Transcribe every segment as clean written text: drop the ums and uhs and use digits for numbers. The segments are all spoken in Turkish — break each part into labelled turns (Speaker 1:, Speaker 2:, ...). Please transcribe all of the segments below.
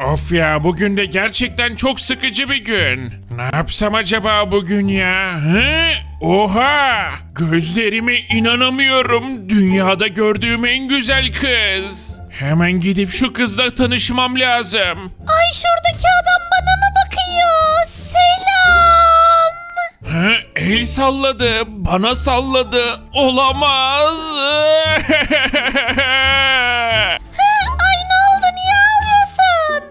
Speaker 1: Of ya, bugün de gerçekten çok sıkıcı bir gün. Ne yapsam acaba bugün ya? He? Oha! Gözlerime inanamıyorum. Dünyada gördüğüm en güzel kız. Hemen gidip şu kızla tanışmam lazım.
Speaker 2: Ay şuradaki adam bana mı bakıyor? Selam.
Speaker 1: Ha, el salladı, bana salladı. Olamaz.
Speaker 2: Ay ne oldu, niye ağlıyorsun?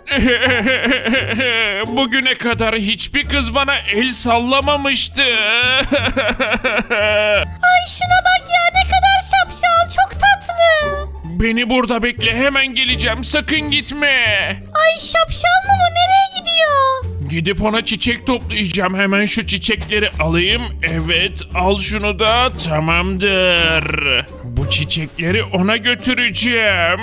Speaker 1: Bugüne kadar hiçbir kız bana el sallamamıştı.
Speaker 2: Ay şuna bak ya, ne kadar şapşal, çok tatlı.
Speaker 1: Beni burada bekle, hemen geleceğim, sakın gitme.
Speaker 2: Ay şapşal mı bu, nereye gidiyor?
Speaker 1: Gidip ona çiçek toplayacağım, hemen şu çiçekleri alayım. Evet, al şunu da, tamamdır. Bu çiçekleri ona götüreceğim.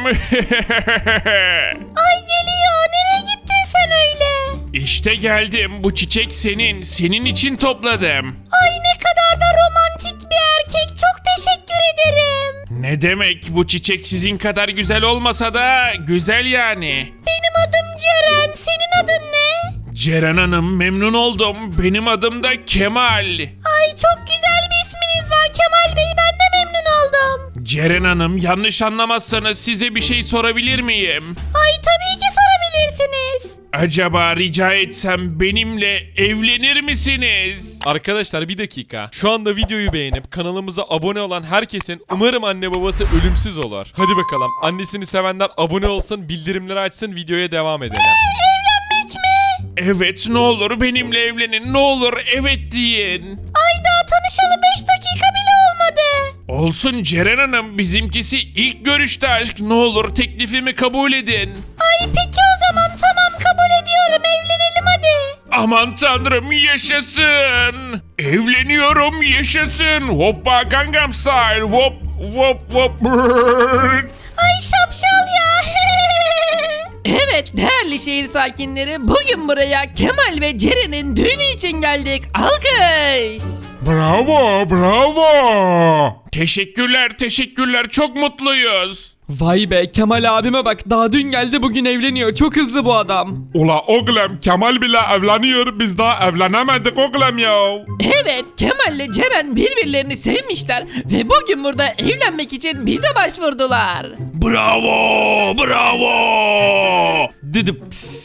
Speaker 2: Ay geliyor, nereye gittin sen öyle?
Speaker 1: İşte geldim, bu çiçek senin için topladım.
Speaker 2: Ay ne kadar da romantik bir erkek, çok teşekkür ederim.
Speaker 1: Ne demek, bu çiçek sizin kadar güzel olmasa da güzel yani.
Speaker 2: Benim adım Ceren, senin adın ne?
Speaker 1: Ceren Hanım, memnun oldum. Benim adım da Kemal.
Speaker 2: Ay çok güzel bir isminiz var Kemal Bey, ben de memnun oldum.
Speaker 1: Ceren Hanım, yanlış anlamazsanız size bir şey sorabilir miyim?
Speaker 2: Ay tabii ki sorabilirsiniz.
Speaker 1: Acaba rica etsem benimle evlenir misiniz?
Speaker 3: Arkadaşlar bir dakika. Şu anda videoyu beğenip kanalımıza abone olan herkesin umarım anne babası ölümsüz olur. Hadi bakalım. Annesini sevenler abone olsun, bildirimleri açsın, videoya devam edelim.
Speaker 2: Evlenmek mi?
Speaker 1: Evet, ne olur benimle evlenin, ne olur evet deyin.
Speaker 2: Ay daha tanışalı 5 dakika bile olmadı.
Speaker 1: Olsun Ceren Hanım, bizimkisi ilk görüşte aşk, ne olur teklifimi kabul edin.
Speaker 2: Ay peki o zaman, tamam kabul ediyorum, evlenelim hadi.
Speaker 1: Aman tanrım, yaşasın. Evleniyorum, yaşasın. Hoppa Gangnam Style. Hop hop hop. Brrr.
Speaker 2: Ay şapşal ya.
Speaker 4: Evet değerli şehir sakinleri, bugün buraya Kemal ve Ceren'in düğünü için geldik. Alkış.
Speaker 1: Bravo, bravo. Teşekkürler, çok mutluyuz.
Speaker 5: Vay be, Kemal abime bak, daha dün geldi bugün evleniyor, çok hızlı bu adam.
Speaker 1: Ula oğlum, Kemal bile evleniyor, biz daha evlenemedik oğlum ya.
Speaker 4: Evet, Kemal ile Ceren birbirlerini sevmişler ve bugün burada evlenmek için bize başvurdular.
Speaker 1: Bravo.
Speaker 5: Dedim.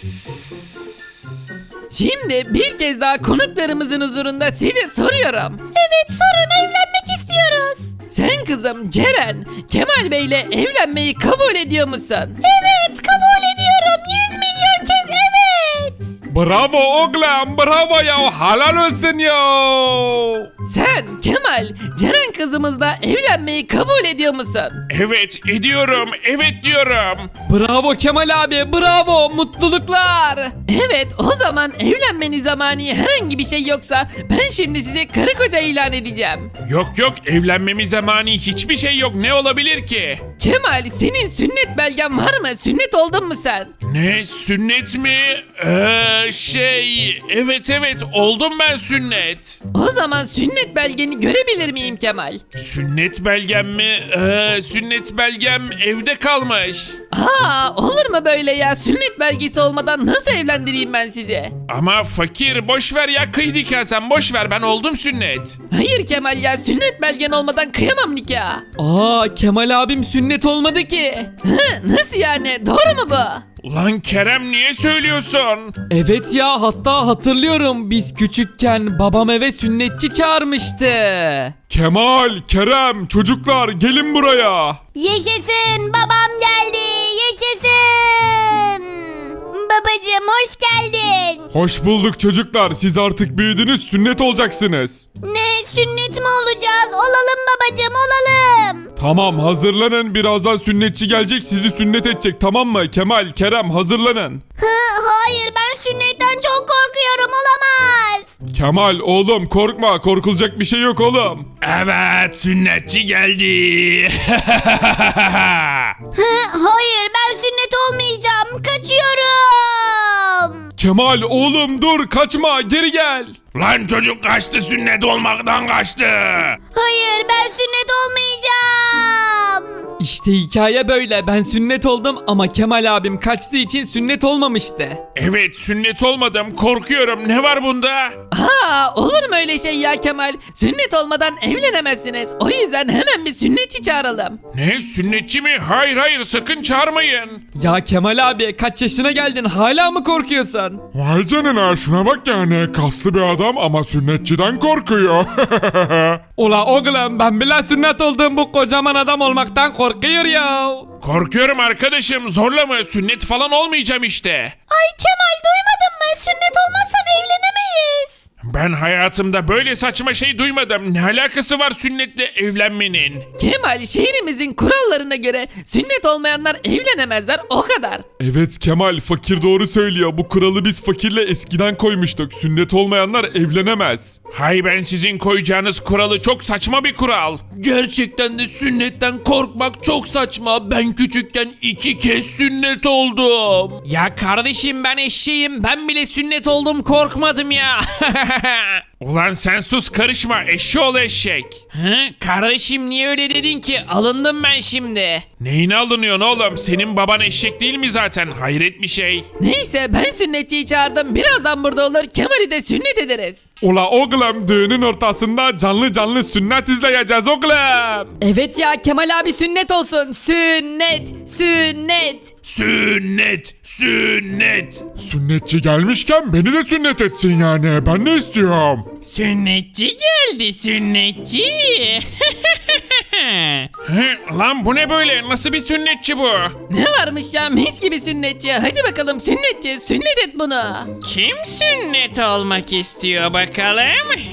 Speaker 4: Şimdi bir kez daha konuklarımızın huzurunda size soruyorum.
Speaker 2: Evet sorun, evlenmek istiyoruz.
Speaker 4: Sen kızım Ceren, Kemal Bey ile evlenmeyi kabul ediyor musun?
Speaker 2: Evet kabul ediyorum, 100 milyon kez evet.
Speaker 1: Bravo oğlum, bravo ya, helal olsun ya.
Speaker 4: Sen Kemal, Ceren kızımızla evlenmeyi kabul ediyor musun?
Speaker 1: Evet ediyorum, evet diyorum.
Speaker 5: Bravo Kemal abi, bravo, mutluluklar.
Speaker 4: Evet, o zaman evlenmeni zamanı herhangi bir şey yoksa ben şimdi size karı koca ilan edeceğim.
Speaker 1: Yok, evlenmemiz zamanı hiçbir şey yok, ne olabilir ki?
Speaker 4: Kemal, senin sünnet belgen var mı? Sünnet oldun mu sen?
Speaker 1: Ne, sünnet mi? Evet oldum ben sünnet.
Speaker 4: O zaman sünnet belgeni görebilir miyim Kemal?
Speaker 1: Sünnet belgem mi? Sünnet belgem evde kalmış.
Speaker 4: Olur mu böyle ya? Sünnet belgesi olmadan nasıl evlendireyim ben sizi?
Speaker 1: Ama fakir, boş ver ya, kıydık ya, sen boş ver, ben oldum sünnet.
Speaker 4: Hayır Kemal ya, sünnet belgen olmadan kıyamam nikah.
Speaker 5: Kemal abim sünnet olmadı ki.
Speaker 4: Nasıl yani? Doğru mu bu?
Speaker 1: Ulan Kerem, niye söylüyorsun?
Speaker 5: Evet ya, hatta hatırlıyorum, biz küçükken babam eve sünnetçi çağırmıştı.
Speaker 3: Kemal, Kerem, çocuklar gelin buraya.
Speaker 2: Yaşasın, babam geldi, yaşasın. Babacım hoş geldin.
Speaker 3: Hoş bulduk çocuklar. Siz artık büyüdünüz, sünnet olacaksınız.
Speaker 2: Ne, sünnet mi olacağız? Olalım babacım, olalım.
Speaker 3: Tamam, hazırlanın. Birazdan sünnetçi gelecek, sizi sünnet edecek, tamam mı? Kemal, Kerem, hazırlanın.
Speaker 2: Hayır, ben sünnetten çok korkuyorum, olamaz.
Speaker 3: Kemal oğlum, korkma, korkulacak bir şey yok oğlum.
Speaker 1: Evet, sünnetçi geldi.
Speaker 2: Hayır, ben sünnet olmayacağım, kaçıyorum.
Speaker 3: Kemal oğlum dur, kaçma, geri gel.
Speaker 1: Lan çocuk kaçtı, sünnet olmaktan kaçtı.
Speaker 2: Hayır, ben sünnet olmayacağım.
Speaker 5: İşte hikaye böyle. Ben sünnet oldum ama Kemal abim kaçtığı için sünnet olmamıştı.
Speaker 1: Evet, sünnet olmadım, korkuyorum. Ne var bunda?
Speaker 4: Olur mu öyle şey ya Kemal? Sünnet olmadan evlenemezsiniz. O yüzden hemen bir sünnetçi çağıralım.
Speaker 1: Ne, sünnetçi mi? Hayır hayır, sakın çağırmayın.
Speaker 5: Ya Kemal abi kaç yaşına geldin hala mı korkuyorsun?
Speaker 6: Vay canına, şuna bak yani, kaslı bir adam ama sünnetçiden korkuyor.
Speaker 5: Ula oğlum ben bile sünnet oldum, bu kocaman adam olmaktan korkuyor ya.
Speaker 1: Korkuyorum arkadaşım, zorlama, sünnet falan olmayacağım işte.
Speaker 2: Ay Kemal, duymadın mı? Sünnet olmazsan evlenemeyiz.
Speaker 1: Ben hayatımda böyle saçma şey duymadım. Ne alakası var sünnetle evlenmenin?
Speaker 4: Kemal, şehrimizin kurallarına göre sünnet olmayanlar evlenemezler, o kadar.
Speaker 6: Evet Kemal, fakir doğru söylüyor. Bu kuralı biz fakirle eskiden koymuştuk. Sünnet olmayanlar evlenemez.
Speaker 1: Hay, ben sizin koyacağınız kuralı, çok saçma bir kural.
Speaker 5: Gerçekten de sünnetten korkmak çok saçma. Ben küçükken 2 kez sünnet oldum.
Speaker 4: Ya kardeşim, ben eşeğim, ben bile sünnet oldum, korkmadım ya.
Speaker 1: Ulan sen sus, karışma, eşşoğlu eşek.
Speaker 4: Kardeşim niye öyle dedin ki? Alındım ben şimdi.
Speaker 1: Neyine alınıyorsun oğlum? Senin baban eşek değil mi zaten? Hayret bir şey.
Speaker 4: Neyse, ben sünnetçiyi çağırdım. Birazdan burada olur. Kemal'i de sünnet ederiz.
Speaker 6: Ula oğlum, düğünün ortasında canlı canlı sünnet izleyeceğiz oğlum.
Speaker 4: Evet ya, Kemal abi sünnet olsun. Sünnet, sünnet.
Speaker 1: Sünnet, sünnet.
Speaker 6: Sünnetçi gelmişken beni de sünnet etsin yani. Ben ne istiyorum?
Speaker 4: Sünnetçi geldi, sünnetçi.
Speaker 1: Lan bu ne böyle? Nasıl bir sünnetçi bu?
Speaker 4: Ne varmış ya, mis gibi sünnetçi. Hadi bakalım sünnetçi, sünnet et bunu. Kim sünnet olmak istiyor bakalım?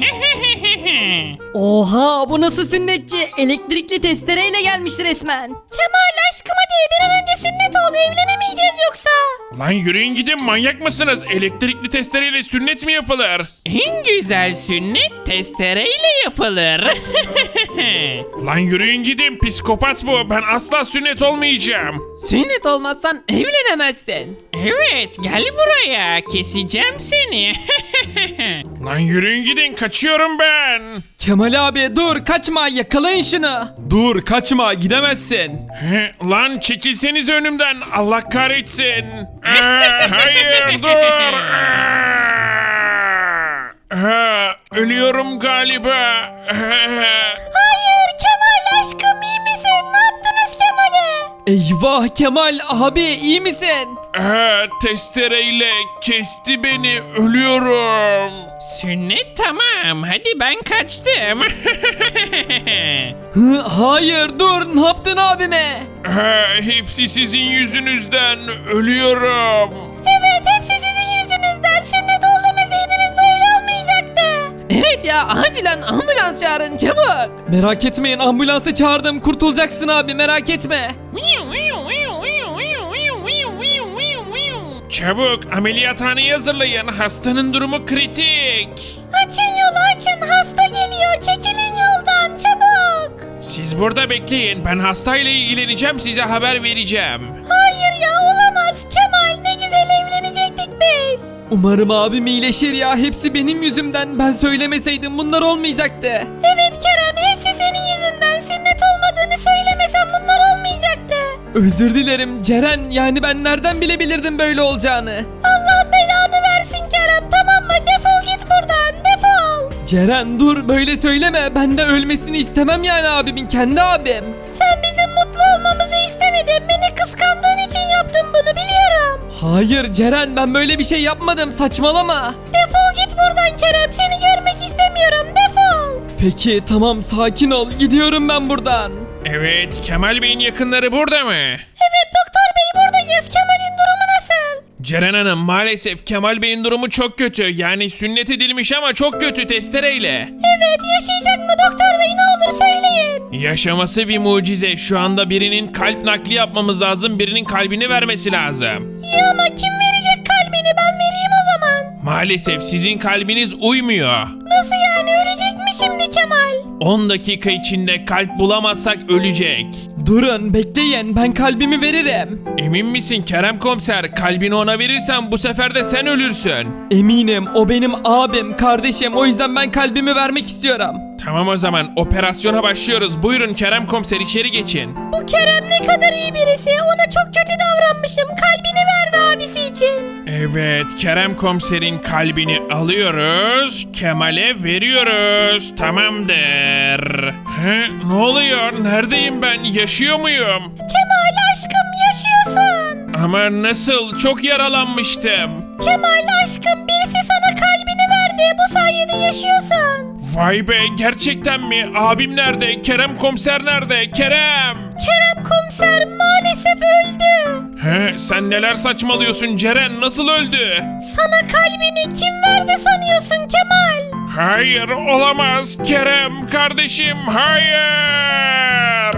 Speaker 2: Oha, bu nasıl sünnetçi? Elektrikli testereyle gelmiş resmen. Kemal aşkım, hadi bir an önce sünnet ol, evlenemeyeceğiz yoksa.
Speaker 1: Lan yürüyün gidin, manyak mısınız? Elektrikli testereyle sünnet mi yapılır?
Speaker 4: En güzel sünnet testereyle yapılır.
Speaker 1: Lan yürüyün gidin, psikopat bu. Ben asla sünnet olmayacağım.
Speaker 4: Sünnet olmazsan evlenemezsin. Evet, gel buraya, keseceğim seni.
Speaker 1: Lan yürüyün gidin, kaçıyorum ben.
Speaker 5: Kemal abi dur, kaçma, yakalayın şunu. Dur kaçma, gidemezsin.
Speaker 1: Lan çekilseniz önümden, Allah kahretsin. Hayır, dur. Ölüyorum galiba.
Speaker 2: Hayır Kemal aşkım, iyi misin? Ne yaptınız Kemal'e?
Speaker 5: Eyvah Kemal abi, iyi misin?
Speaker 1: Testereyle kesti beni, ölüyorum.
Speaker 4: Sünnet tamam, hadi ben kaçtım.
Speaker 5: Hayır dur, ne yaptın abime?
Speaker 1: Hepsi sizin yüzünüzden, ölüyorum.
Speaker 2: Evet, hepsi sizin yüzünüzden. Sünnet ol demeseydiniz böyle olmayacaktı.
Speaker 4: Evet ya, acilen ambulans çağırın çabuk.
Speaker 5: Merak etmeyin, ambulansı çağırdım, kurtulacaksın abi, merak etme.
Speaker 1: Çabuk ameliyathaneyi hazırlayın, hastanın durumu kritik.
Speaker 2: Açın yolu, açın, hasta geliyor. Çekilin yoldan çabuk.
Speaker 1: Siz burada bekleyin, ben hastayla ilgileneceğim, size haber vereceğim.
Speaker 2: Hayır ya, olamaz Kemal, ne güzel evlenecektik biz.
Speaker 5: Umarım abim iyileşir ya, hepsi benim yüzümden, ben söylemeseydim bunlar olmayacaktı.
Speaker 2: Evet Kerem, hepsi senin yüzünden. Sünnet olmadığını söylemesen bunlar olmayacaktı.
Speaker 5: Özür dilerim Ceren, yani ben nereden bilebilirdim böyle olacağını.
Speaker 2: Allah belanı versin Kerem, tamam mı? Defol git buradan, defol.
Speaker 5: Ceren dur, böyle söyleme, ben de ölmesini istemem yani abimin, kendi abim.
Speaker 2: Sen bizim mutlu olmamızı istemedin. Beni kıskandığın için yaptın bunu, biliyorum.
Speaker 5: Hayır Ceren, ben böyle bir şey yapmadım, saçmalama.
Speaker 2: Defol git buradan Kerem, seni görmek istemiyorum, defol.
Speaker 5: Peki tamam, sakin ol, gidiyorum ben buradan.
Speaker 1: Evet, Kemal Bey'in yakınları burada mı?
Speaker 2: Evet doktor bey, buradayız. Kemal'in durumu nasıl?
Speaker 1: Ceren Hanım, maalesef Kemal Bey'in durumu çok kötü. Yani sünnet edilmiş ama çok kötü, testereyle.
Speaker 2: Evet, yaşayacak mı doktor bey, ne olur söyleyin.
Speaker 1: Yaşaması bir mucize. Şu anda birinin kalp nakli yapmamız lazım, birinin kalbini vermesi lazım.
Speaker 2: İyi ama kim verecek kalbini, ben vereyim o zaman.
Speaker 1: Maalesef sizin kalbiniz uymuyor.
Speaker 2: Nasıl yani, ölecek mi şimdi Kemal?
Speaker 1: 10 dakika içinde kalp bulamazsak ölecek.
Speaker 5: Durun, bekleyin, ben kalbimi veririm.
Speaker 1: Emin misin Kerem Komiser? Kalbini ona verirsen bu sefer de sen ölürsün.
Speaker 5: Eminim, o benim abim, kardeşim, o yüzden ben kalbimi vermek istiyorum.
Speaker 1: Tamam o zaman operasyona başlıyoruz. Buyurun Kerem komiser içeri geçin.
Speaker 2: Bu Kerem ne kadar iyi birisi. Ona çok kötü davranmışım. Kalbini verdi abisi için.
Speaker 1: Evet, Kerem komiserin kalbini alıyoruz, Kemal'e veriyoruz. Tamamdır. Ne oluyor? Neredeyim ben? Yaşıyor muyum?
Speaker 2: Kemal aşkım yaşıyorsun.
Speaker 1: Ama nasıl? Çok yaralanmıştım.
Speaker 2: Kemal aşkım birisi sana kalbini verdi. Bu sayede yaşıyorsun.
Speaker 1: Vay be, gerçekten mi? Abim nerede? Kerem komiser nerede? Kerem!
Speaker 2: Kerem komiser maalesef öldü.
Speaker 1: Sen neler saçmalıyorsun Ceren? Nasıl öldü?
Speaker 2: Sana kalbini kim verdi sanıyorsun Kemal?
Speaker 1: Hayır, olamaz. Kerem kardeşim, hayır!